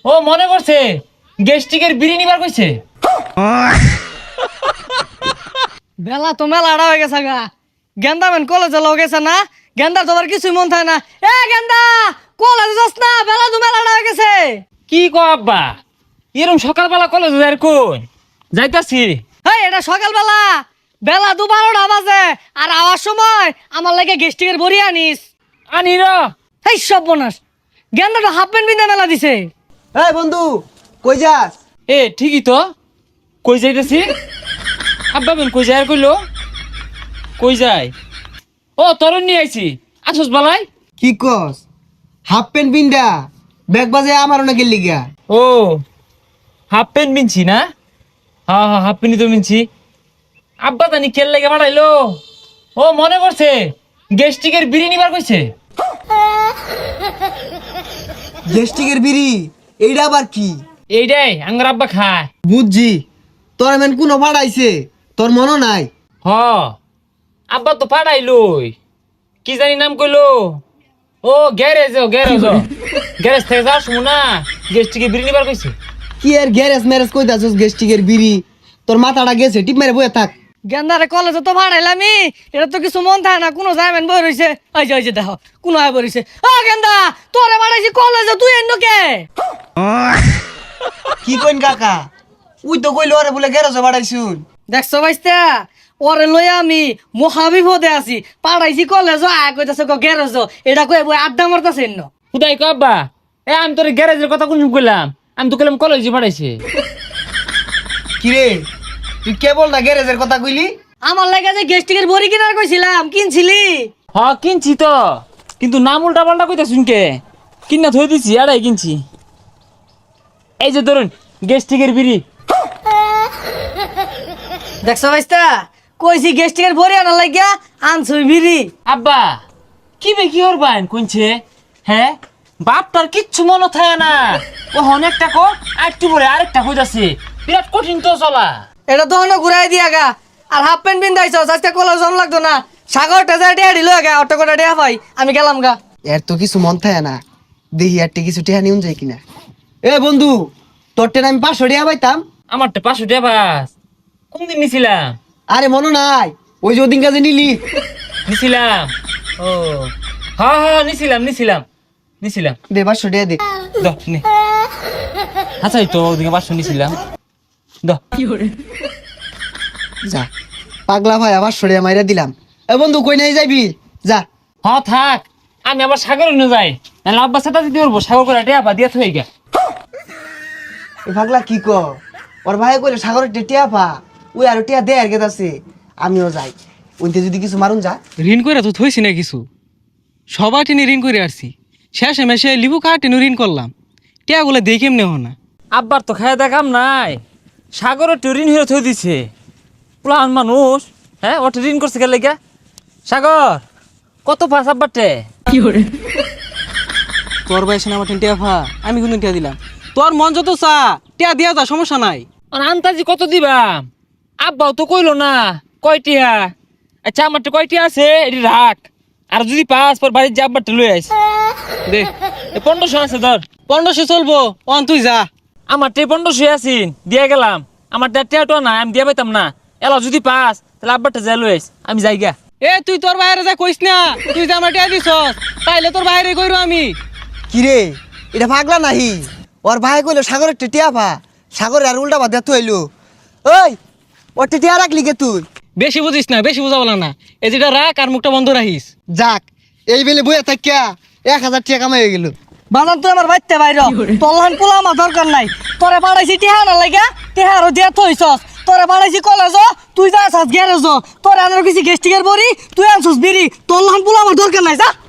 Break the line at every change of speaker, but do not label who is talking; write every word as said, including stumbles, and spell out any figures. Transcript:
ও মনে করছে গেস্টিকের বিড়ি নিবার কইছে।
বেলা তো মেলা আড়া হয়ে গেছে গা। গেন্দা মেন কলেজে লও গেছে না, গেন্দার তোমার কিছুই মন থাকে না। এ গেন্দা কলেজে যাস না, বেলা তো মেলা আড়া হয়ে গেছে।
কি কো আব্বা, এরম সকালবেলা কলেজ যাই কোন যাইতাছি।
হেই এটা সকালবেলা, বেলা দু বারোটা বাজে আর আওয়ার সময় আমার লাগে গেস্টিকের বড়ি আনিস।
আনি র।
হেই সব বোনাস, গেন্দাটা হাফ প্যান্ট বিন্দা মেলা দিছে।
এই বন্ধু কই যাস?
এ ঠিকই তো, কই যাইতেছি? আব্বা বেন কই যায় আর কইলো কই যায়? ও তরুণ নিয়ে আইছি, আসস বালাই।
কি কস? হাফ প্যান্ট বিন্দা ব্যাগ বাজে আমার অনেক গেলি গা।
ও হাফ প্যান্ট মিনছি না? হ্যাঁ হ্যাঁ হাফ প্যান্টই তো মিনছি। আব্বা জানি কেল লেগে বাড়াইলো। ও মনে করছে গেস্টিকের বিড়ি নিবার কইছে।
গেস্টিকের বিড়ি এইটা আবার কি?
এইটাই আঙ্গার আব্বা খায়।
বুঝছি, তোর এমন কোনো পাড়াইছে তোর মনে নাই?
হ আব্বা তো পাঠাইলই, কি জানি নাম কইলো। ও গ্যারেজ, ও গ্যারেজ, গ্যারেজ থেকে যাস না গেস্টিকে বিড়ি নিবার কইছে।
কি এর গ্যারেজ ম্যারেজ কই দাসস? গেস্টিকের বিড়ি তোর মাথাটা গেছে, টিপ মেরে বয়ে থাক।
গেন্দারে কলেজে তো ভাড়াইলামি, এটা তো কিছু মন থাকে না। কোনো যাইবেন বই রইছে, ওই যে ওই যে দেখো কোনো আয় বই রইছে। ও গেন্দা তোরে ভাড়াইছি কলেজে, তুই এন্ন কে?
কি কইন কাকা? উই তো কইলো আরে বলে গ্যারেজে বাড়াইছুন।
দেখছো ভাইস্তা, ওরে লই আমি মহাবিপদে আছি। পাড়াইছি কলেজ, আয় কইতাছে গো গ্যারেজ, এটা কই বই আড্ডা মারতাছে এন্ন।
খুদাই কো আব্বা, এ আমি তোর গ্যারেজের কথা কোন কইলাম? আমি তো কইলাম কলেজে পাঠাইছে।
কি রে তুই কেবল না গ্যারেজের কথা কইলি?
আমার লাগে যে গেস্টিকের বড়ি কিনার কইছিলাম, কিনছিলি?
হ কিনছি তো, কিন্তু নাম উল্টা পাল্টা কইতা শুনকে কিনা থই দিছি। আড়াই কিনছি। এই যে ধরুন গেস্টিকের বিড়ি।
দেখছো ভাইস্তা, কইছি গেস্টিকের বড়ি আনার লাগিয়া আনছুই বিড়ি।
আব্বা কি বে কি হরবান কোনছে? হ্যাঁ বাপটার কিচ্ছু মনে থাকে না। ও অনেকটা কো আরেকটু পরে আরেকটা কইতাছে, বিরাট কঠিন তো চলা।
এটা তো অন্য ঘুরাই দিয়া গা। আর হাফ প্যান্ট বিন্দাইছ, আজকে কলেজ জন লাগতো না। সাগর টেজা টিয়া দিল গা, অটো করে টিয়া পাই, আমি গেলাম গা।
এর তো কিছু মন থাকে না, দেখি আর কিছু টেহা নিউন যায় কিনা। এ বন্ধু, তোর টেন আমি পাঁচশো টিয়া পাইতাম।
আমার তো পাঁচশো টাকা পাস কোনদিন নিছিলাম?
আরে মনে নাই ওই যে ওদিন কাজে নিলি?
নিছিলাম। ও হ্যাঁ হ্যাঁ নিছিলাম নিছিলাম নিছিলাম।
দে পাঁচশো টিয়া দে।
দ নে। আচ্ছা এই তো ওদিকে পাঁচশো নিছিলাম। দ
যা পাগলা ভাই আবার সরিয়া মাইরা দিলাম। এ বন্ধু কই নাই যাবি? যা।
হ থাক, আমি আবার সাগর নিয়ে যাই, নাহলে আব্বা সাথে দিতে পারবো। সাগর করে টেয়া পা দিয়া থই গা।
এ পাগলা কি ক? ওর ভাই কইলে সাগরের টিয়া পা, ওই আর টিয়া দে আর গেতাছে। আমিও যাই, ওইতে যদি কিছু মারুন যা।
ঋণ করে তো থইছি না কিছু, সবার টেনে ঋণ করে আসছি। শেষে মেশে লিবু কার টেনে ঋণ করলাম, টিয়াগুলো দেখে এমনি হো না।
আব্বার তো খায় দেখাম নাই, সাগরের তো ঋণ হয়ে থই দিছে। প্লান মানুষ, হ্যাঁ ওটা ঋণ করছে গেলে গা। সাগর কত পাস আব্বারটে?
তোর বয়সে আমার টেন টিয়া ফা, আমি কিন্তু টিয়া দিলাম। তোর মন যত চা টিয়া দিয়া যা, সমস্যা নাই।
আর আন্তাজি কত দিবাম? আব্বাও তো কইলো না কয়টিয়া। আচ্ছা আমারটা কয়টিয়া আছে এটি রাখ, আর যদি পাস পর বাড়ির যে আব্বারটা লই আইস।
দে
পনেরোশো আছে ধর।
পনেরোশো চলবো, অন তুই যা।
আমার টে পনেরোশো আছিন দিয়ে গেলাম। আমার টেয়াটো না আমি দিয়ে পাইতাম না। এলা যদি পাস তাহলে আব্বারটা যাই লই আইস, আমি যাই গা।
এ তুই তোর বাইরে যা কইস না, তুই যে আমার টিয়া দিছস তাইলে তোর বাইরে কইরো আমি।
কি রে এটা পাগলা নাহি? ওর ভাই কইলো সাগরের টিয়া পা, সাগরের আর উল্টা বাদ তো হইলো। ওই ওর টিয়া রাখলি কে তুই?
বেশি বুঝিস না, বেশি বুঝা বলা না। এই যেটা রাখ আর মুখটা বন্ধ রাখিস।
যাক এই বেলে বইয়া থাকিয়া এক হাজার টাকা কামাই হয়ে গেল।
বাজান তুই আমার বাইতে বাইর, তলহান পোলা আমার দরকার নাই। তোরে পাড়াইছি টিহা না লাগা, টিহা আরো দিয়া থইছস। তোরে পাড়াইছি কলেজ, তুই যা আসাস গ্যারেজ। তোরে আনার কিছু গেস্টিকের বড়ি, তুই আনছস বিড়ি। তলহান পোলা আমার দরকার নাই, যা।